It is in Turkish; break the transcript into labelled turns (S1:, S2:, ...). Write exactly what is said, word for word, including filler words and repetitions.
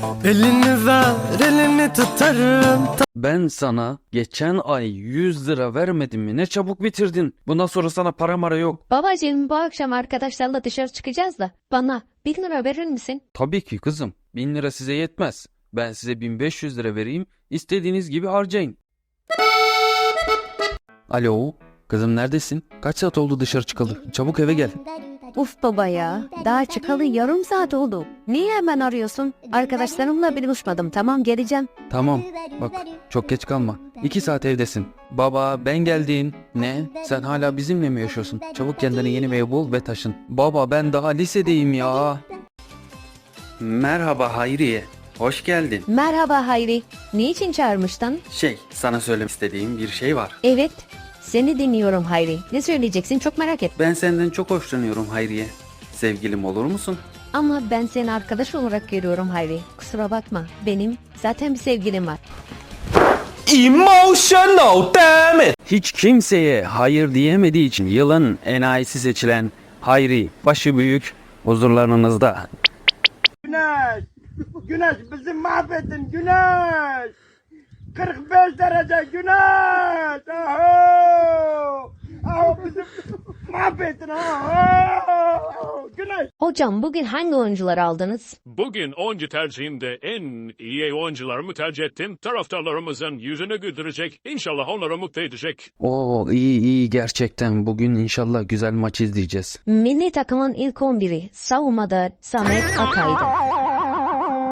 S1: Elini ver, elini tutarım.
S2: Ben sana geçen ay yüz lira vermedim mi? Ne çabuk bitirdin. Bundan sonra sana para mara yok.
S3: Babacığım bu akşam arkadaşlarla dışarı çıkacağız da bana bin lira verir misin?
S2: Tabii ki kızım. Bin lira size yetmez. Ben size bin beş yüz lira vereyim. İstediğiniz gibi harcayın. Alo. Kızım neredesin? Kaç saat oldu dışarı çıkalı? Çabuk eve gel.
S4: Uf baba ya, daha çıkalı yarım saat oldu. Niye hemen arıyorsun? Arkadaşlarımla buluşmadım, tamam geleceğim.
S2: Tamam. Bak çok geç kalma. İki saat evdesin. Baba ben geldim. Ne? Sen hala bizimle mi yaşıyorsun? Çabuk kendine yeni bir ev bul ve taşın. Baba ben daha lisedeyim ya. Merhaba Hayriye. Hoş geldin.
S4: Merhaba Hayri, niçin çağırmıştın?
S2: Şey sana söylemek istediğim bir şey var.
S4: Evet, seni dinliyorum Hayri. Ne söyleyeceksin çok merak et.
S2: Ben senden çok hoşlanıyorum Hayriye. Sevgilim olur musun?
S4: Ama ben seni arkadaş olarak görüyorum Hayri. Kusura bakma, benim zaten bir sevgilim var.
S1: Emotional damn it.
S2: Hiç kimseye hayır diyemediği için yılın enayisi seçilen Hayri başı büyük huzurlarınızda.
S5: Güneş, güneş bizi mahvettin güneş. kırk beş derece güneş. Aho, aho bizi mahvettin aho. Güneş.
S3: Hocam bugün hangi oyuncuları aldınız?
S6: Bugün oyuncu tercihimde en iyi oyuncularımı tercih ettim. Taraftarlarımızın yüzünü güldürecek. İnşallah onları mutlu edecek.
S2: Oo iyi iyi gerçekten bugün inşallah güzel maç izleyeceğiz.
S3: Milli takımın ilk on biri savunmada Samet Akay'dı.